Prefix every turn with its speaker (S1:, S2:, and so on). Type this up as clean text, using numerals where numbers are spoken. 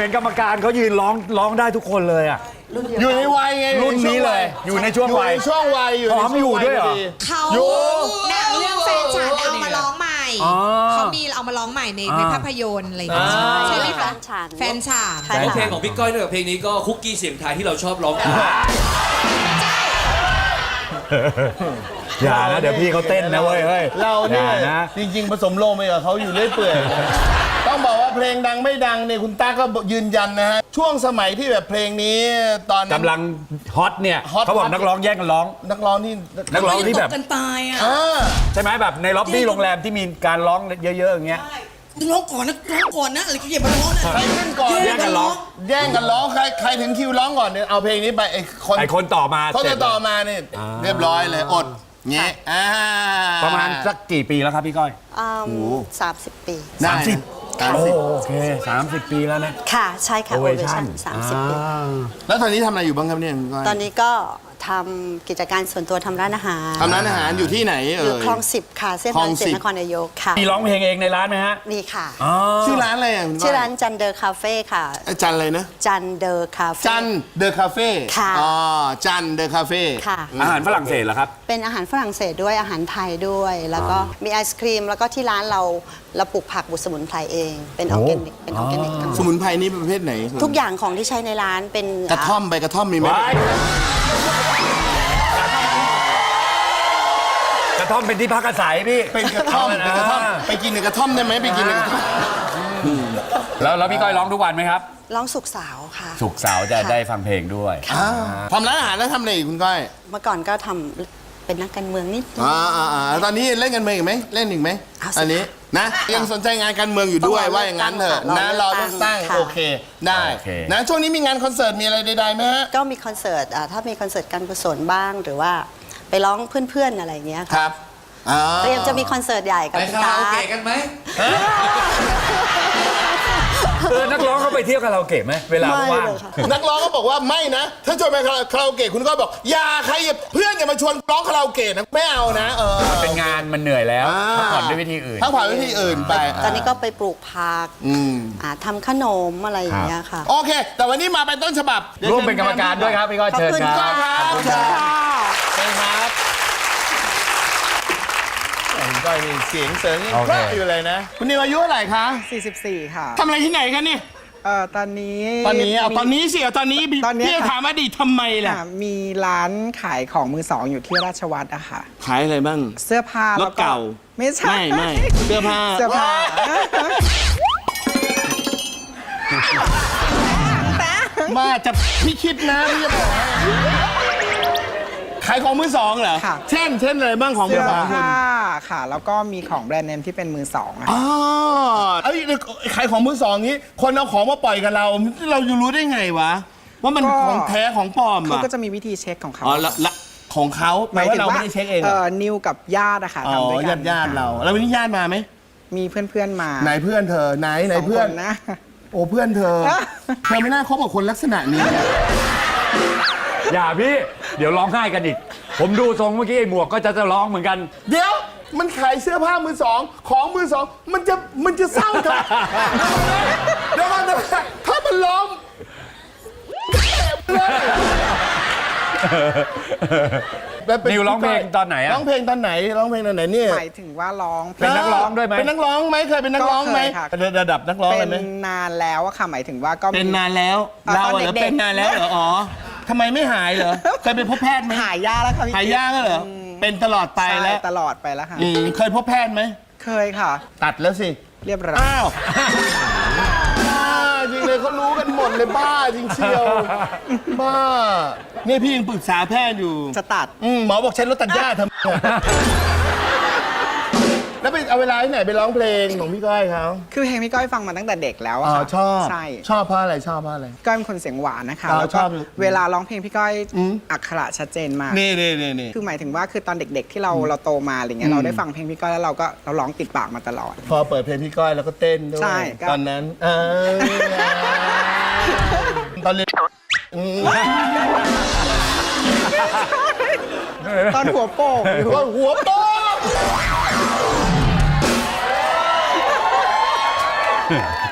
S1: ห็นกรรมการเขายืนร้องได้ทุกคนเลยอ่ะ
S2: อยู่ในวัยไง
S1: รุ่นนี้เลยอยู่ในช่วงวัย
S2: ช่วงวัยอยู่
S1: พร้อมอยู่ด้วยเหรอ
S3: เขา
S2: อยู่
S3: หนังเรื่องแฟนฉันเอามาร้องใหม่เขามีเอามาร้องใหม่ในภาพยนตร์อะไรอย่างเงี้ยใช่ไหมคะแฟนฉัน
S4: ของเพลงของพี่ก้อยด้วยกับเพลงนี้ก็คุกกี้เสียงไทยที่เราชอบร้องกัน
S1: อย่านะเดี๋ยวพี่เขาเต้นนะเว้ยเฮ้ย
S2: เราเนี่ย
S1: อย่นะ
S2: จริงๆผสมโลงไปกับเขาอยู่เรื่อยเปื่อยต้องบอกว่าเพลงดังไม่ดังเนี่ยคุณต้าก็ยืนยันนะฮะช่วงสมัยที่แบบเพลงนี้ตอนนั้น
S1: กำลังฮอตเนี่ย
S2: ฮอต
S1: เขาบอกนักร้องแย่งกันร้อง
S2: นักร้องที่
S1: นักร้องที่แบบ
S5: กันตายอ่ะ
S1: ใช่ไหมแบบในล็อบบี้โรงแรมที่มีการร้องเยอะๆอย่างเงี้ย
S5: ร้องก่อนนะร้องก่อนนะอะไรก็อย่ามาร้องนะ
S2: ใครขึ้นก่อน
S1: แย่งกันร้อง
S2: แย่งกันร้องใครถึงคิวร้องก่อนเนี่ยเอาเพลงนี้ไปไอ้คน
S1: ต่อมา
S2: เขา
S1: เสร็
S2: จะ
S1: จ
S2: ต่อมาเนี่ยเรียบร้อยเลยอดเงี้ย
S1: ประมาณสักกี่ปีแล้วครับพี่ก้อย
S6: 30 ปี
S1: โอเค30 ปีแล้วนะ
S6: ค่ะ ใช่ค่ะ
S1: Ovation
S6: 30 ปี
S2: แล้วตอนนี้ทำอะไรอยู่บ้างครับเนี่ยคุณก้อย
S6: ตอนนี้ก็ทำกิจการส่วนตัวทำร้านอาหาร
S2: ทำร้านอาหารอยู่ที่ไหน
S6: อยู่คลอง 10 ค่ะ เส้น
S2: คล
S6: ทา
S2: อง ง
S6: เจ็ด
S2: 10
S6: นครนายกค่ะ
S1: มีร้องเพลงเองในร้านไหมฮะ
S6: มีค่ะ
S2: ชื่อร้านอะไรอ่ะคุณก้อย
S6: ชื่อร้านจันเดอร์คาเฟ่ค่ะ
S2: จันอะไรนะ
S6: จันเดอร์คาเฟ่
S2: จันเดอะคาเฟ่
S6: ค่ะ
S2: อ๋อจันเดอะคาเฟ่
S6: ค่ะ
S1: อาหารฝรั่งเศสเหรอครับ
S6: เป็นอาหารฝรั่งเศสด้วยอาหารไทยด้วย แล้วก็มีไอศครีม แล้วก็ที่ร้านเราปลูกผักบุสมุนไพรเอง เป็นออร์แกนิกทั้งหม
S2: ส
S6: ด
S2: มุนไพรนี่ประเภทไหน
S6: ทุกอย่างของที่ใช้ในร้านเป็น
S2: กระท่อมใบกระท่อมมีไหม
S1: กระท่อมเป็นที่พักอาศัยพี่
S2: เป็นกระท่อมเป็นกระท่อมไปกินในกระท่อมได้ไหมไปกินในกระท่อม
S1: แล้วพี่ก้อยร้องทุกวันไหมครับ
S6: ร้องสุกสาวค่ะ
S1: สุกร์เสาร์จะได้ฟังเพลงด้วย
S2: ทำร้านอาหารแล้วทำอะไรอีกคุณก้อย
S6: เมื่อก่อนก็ทำเป็นนักการเมืองนิดนึง
S2: ตอนนี้เล่นกันเมืองอีกไหมเล่นอีกไหม
S6: เอาสิ
S2: อันนี้นะยังสนใจงานการเมืองอยู่ด้วย
S6: ต้องรอ
S2: ว่าอย่างนั้นเถอะ
S6: เลือกตั้
S2: นะ
S6: ง
S2: รอเลือกตั้ง
S6: ค่ะ
S2: โอเคได้
S1: โอเค
S2: นะช่วงนี้มีงานคอนเสิร์ตมีอะไรใดๆไหมฮะ
S6: ก็มีคอนเสิร์ตถ้ามีคอนเสิร์ตการกุศลบ้างหรือว่าไปร้องเพื่อนๆอะไรอย่างเงี้ย
S2: ค
S6: ค่ะ
S2: รับ
S6: เตรียมจะมีคอนเสิร์ตใหญ่กับ
S4: ไป
S6: คุณ
S4: คารา
S6: ตา
S4: โอเกะกันไหม
S1: นักร้องเขาไปเที่ยวคาราโอเกะไหมเวลา
S6: ไม่
S1: ว่าง
S6: เลยค่ะ
S2: นักร้องก็บอกว่าไม่นะ ถ้าชวนไปคาราโอเกะคุณก็บอกอย่าใครเพื่อนอย่ามาชวนร้องคาราโอเกะนะไม่เอานะ
S1: เป็นงานมันเหนื่อยแล้วพักผ่อนด้วยวิธีอื่น
S2: พักผ่อนวิธีอื่นไป
S6: ตอนนี้ก็ไปปลูกผักทำขนมอะไรอย่างเงี้ยค่ะ
S2: โอเค แต่วันนี้มาเป็นต้นฉบับ
S1: ร่วมเป็นกรรมการด้วยครับพี่ก้อย
S6: ขอบ
S1: เชิญ
S6: คุณ
S1: ค
S6: ค่ะ
S1: รับ
S2: ขอบคุณครับเชิญครับคุณก้อยนี่เสียงเสริงยังเพราะอยู่เลยนะ คุณนิวอายุเท่าไหร่คะ
S5: 44 ค่ะ
S2: ทำอะไรที่ไหนคะเนี่ย
S5: ตอนนี้
S2: ตอนนี้สิตอนนี้
S5: ตอนนี้
S2: พี่จะถามอดีตทำไมล่ะ
S5: มีร้านขายของมือสองอยู่ที่ราชวัตรอะค่ะ
S2: ขายอะไรบ้าง
S5: เสื้อผ้าร แล้ว
S2: ถเก่า
S5: ไม่ใช่
S2: ไม่เสื้อผ้า
S5: เสื้อผ้า
S2: มาจะพี่คิดนะพี่จะบอกให้ขายของมือสองเหรอ
S5: ค่ะ
S2: เช่นอะไรบ้างของมื
S5: เสื้
S2: อ
S5: อ
S2: สอง
S5: ผ้าค่ะ แล้วก็มีของแบรนด์เนมที่เป็นมือสองอะ
S2: อ๋อเอ้ยขายของมือสองนี้ คนเอาของมาปล่อยกับเราจะรู้ได้ไงวะ ว่ามันของแท้ของปลอม
S5: เขา
S2: อ่ะ
S5: ก็จะมีวิธีเช็คของเขา
S2: อ๋อละของเขาหมายว่าเราไม่ได้เช็คเองเหรอ
S5: นิวกับญาติอะค่ะ
S2: อ๋อ
S5: ทำด้วยกัน
S2: ญาติเราแล้ววันนี้ญาติมาไหม
S5: มีเพื่อนๆมา
S2: ไหนเพื่อนเธอไหน
S5: สง
S2: เพื่อน
S5: คนะ
S2: โอ้เพื่อนเธอ เธอไม่น่าคบกับคนลักษณะนี้
S1: อย่าพี่เดี๋ยวร้องไห้กันอีก ผมดูทรงเมื่อกี้ไอ้หมวกก็จะร้องเหมือนกัน
S2: เดี๋ยวมันขายเสื้อผ้ามือสองของมือสองมันจะเศร้าเถอะเดี๋ยวก่อนถ้ามันล้ม
S1: นิวร้องเพลงตอนไหนอะ
S2: ร้องเพลงตอนไหนเนี่ย
S5: หมายถึงว่าร้อง
S1: เป็นนักร้องด้วยไหม
S2: เป็นนักร้องไหมเคยเป็นนักร้องไหม
S5: ก็เคยค่ะ
S2: ระดับนักร้อง
S5: เป็
S2: เลย
S5: น
S2: ไหม
S5: นานแล้วอะค่ะหมายถึงว่าก็มี
S2: เป็นนานแล้ว
S5: ตอน
S2: เราเหรอ
S5: เด็กๆ
S2: เป็นนานแล้วเหรออ๋อทำไมไม่หายเหรอเคยไปพบแพทย์ไหม
S5: หายยากแล้วค่ะพี่
S2: หายยากแล้วเหรอเป็นตลอดไป
S5: ใช่
S2: แล้ว
S5: ตลอดไปแล้วค่ะ
S2: เคยพบแพทย์ไหม
S5: เคยค่ะ
S2: ตัดแล้วสิ
S5: เรียบร้อย
S2: อ้าวบ้าจริงเลยเขารู้กันหมดเลยบ้าจริงเชียวบ้าเนี่ยพี่ยังปรึกษาแพทย์อยู่
S5: จะตัด
S2: หมอบอกใช้รถตัดหญ้าทำไมแล้วไปเอาเวลาที่ไหนไปร้องเพลงของพี่ก้อยเขา
S5: คือเพลงพี่ก้อยฟังมาตั้งแต่เด็กแล้วอะค่ะ
S2: ชอบ
S5: ใช่
S2: ชอบเพราะอะไรชอบเพราะอะไร
S5: ก้อยเป็นคนเสียงหวานนะคะ
S2: อ๋อ
S5: แล้ว
S2: ช
S5: ก็
S2: อบ
S5: เวลาร้องเพลงพี่ก้อยอักขระชัดเจนมาก
S2: นี่
S5: คือหมายถึงว่าคือตอนเด็กๆที่เราโตมาอะไรเงี้ยเราได้ฟังเพลงพี่ก้อยแล้วเราร้องติดปากมาตลอด
S2: พอเปิดเพลงพี่ก้อยแล้วก็เต้นด้วย
S5: ใช่ก็
S2: ตอนนั้นตอนเรียน
S5: ตอนหัวโป่งอยู่
S2: หัวโป๊ก